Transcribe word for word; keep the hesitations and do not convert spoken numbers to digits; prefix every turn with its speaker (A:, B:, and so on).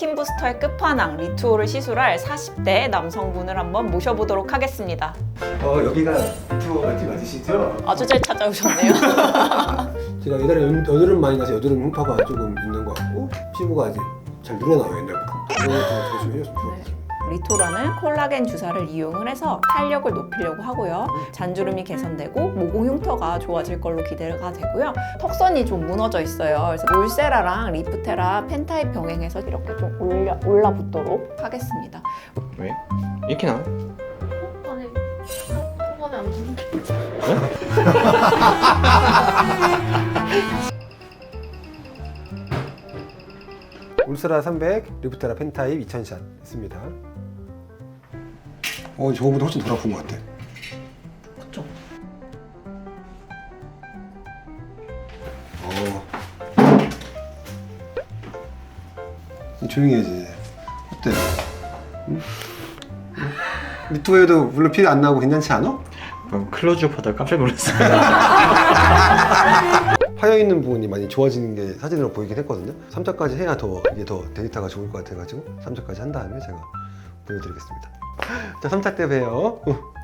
A: 스킨 부스터의 끝판왕 리투오를 시술할 사십 대 남성분을 한번 모셔보도록 하겠습니다.
B: 어, 여기가 리투오 어디 맞으시죠?
A: 아주 잘 찾아오셨네요.
B: 제가 옛날에 연, 여드름 많이 나서 여드름 흉터가 조금 있는 것 같고 피부가 이제 잘 늘어나요 옛날부터. 그런 것도 좀 해줬으면 좋겠어요.
A: 리토라는 콜라겐 주사를 이용을 해서 탄력을 높이려고 하고요. 잔주름이 개선되고 모공 흉터가 좋아질 걸로 기대가 되고요. 턱선이 좀 무너져 있어요. 그래서 울세라랑 리프테라 펜타입 병행해서 이렇게 좀 올려, 올라붙도록 하겠습니다.
C: 왜? 이렇게 나와?
D: 아니, 초반에 안 좋은데.
B: 울스라 삼백, 리프테라 펜타입 이천 샷 했습니다. 어, 저거보다 훨씬 덜 아픈 것 같아.
A: 그쵸?
B: 어. 조용히 해야지. 어때? 응? 응? 리투에도 물론 피 안 나고 괜찮지 않아?
C: 방금 클로즈업 하다가 깜짝 놀랐어요.
B: 파여 있는 부분이 많이 좋아지는 게 사진으로 보이긴 했거든요. 삼 차까지 해야 더 이게 더 데이터가 좋을 것 같아가지고 삼 차까지 한 다음에 제가 보여드리겠습니다. 자, 삼 차 때 봬요.